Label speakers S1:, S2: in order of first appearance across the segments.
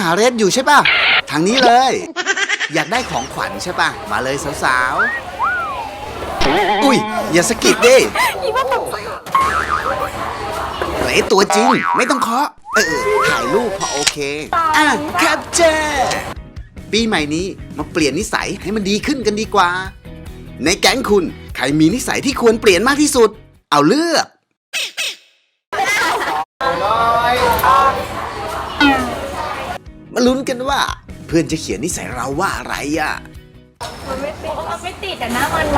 S1: าเรดอยู่ใช่ป่ะทางนี้เลย อยากได้ของขวัญใช่ป่ะมาเลยสาวๆอุ้ยอย่าสะกิดดิเฮ้ยตัวจริงไม่ต้องเคาะถ่ายรูปพอโอเคแคปเจอร์ปีใหม่นี้มาเปลี่ยนนิสัยให้มันดีขึ้นกันดีกว่าในแก๊งคุณใครมีนิสัยที่ควรเปลี่ยนมากที่สุดเอาเลือกมาลุ้นกันว่าเพื่อนจะเขียนนิสัยเราว่าอะไรอ่ะ
S2: มันไม่ติดแต่หน้ามัน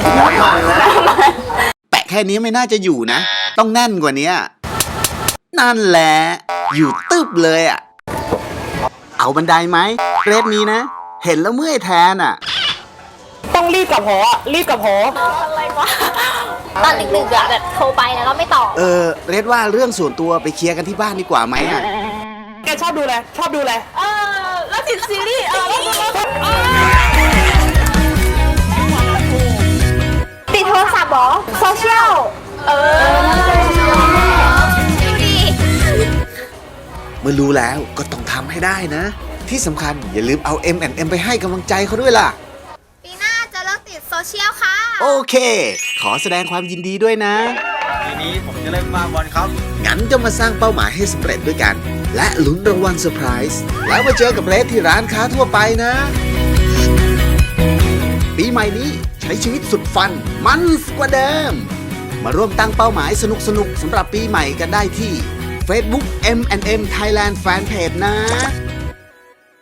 S1: แปะแค่นี้ไม่น่าจะอยู่นะต้องแน่นกว่านี้นั่นแหละอยู่ตึบเลยอ่ะเอาบันไดไหมเรดนี้นะเห็นแล้วเมื่อยแทนอ่ะ
S3: ต้องรีบกลับหอ
S2: อะไรวะตอนดึกๆอะแบบโทรไปแล้วก็ไม่ตอบ
S1: เรดว่าเรื่องส่วนตัวไปเคลียร์กันที่บ้านดีกว่าไหมอ่ะ
S3: แกชอบดูอะไร
S2: แล้วติดซีรีส์ติดโทรศัพท์หรอโซเชียล
S1: เมื่อรู้แล้วก็ต้องทำให้ได้นะที่สำคัญอย่าลืมเอา M&M ไปให้กำลังใจเขาด้วยล่ะ
S2: ปีหน้าจะเลิกติดโซเชียลค่ะ
S1: โอเคขอแสดงความยินดีด้วยนะ
S4: ปีนี้ผมจะเล่นบอลครับ
S1: งั้นจะมาสร้างเป้าหมายให้สำเร็จด้วยกันและลุ้นรางวัลเซอร์ไพรส์แล้วมาเจอกับเรดที่ร้านค้าทั่วไปนะปีใหม่นี้ใช้ชีวิตสุดฟันมันกว่าเดิมมาร่วมตั้งเป้าหมายสนุกๆสำหรับปีใหม่กันได้ที่ Facebook M&M Thailand Fanpage นะ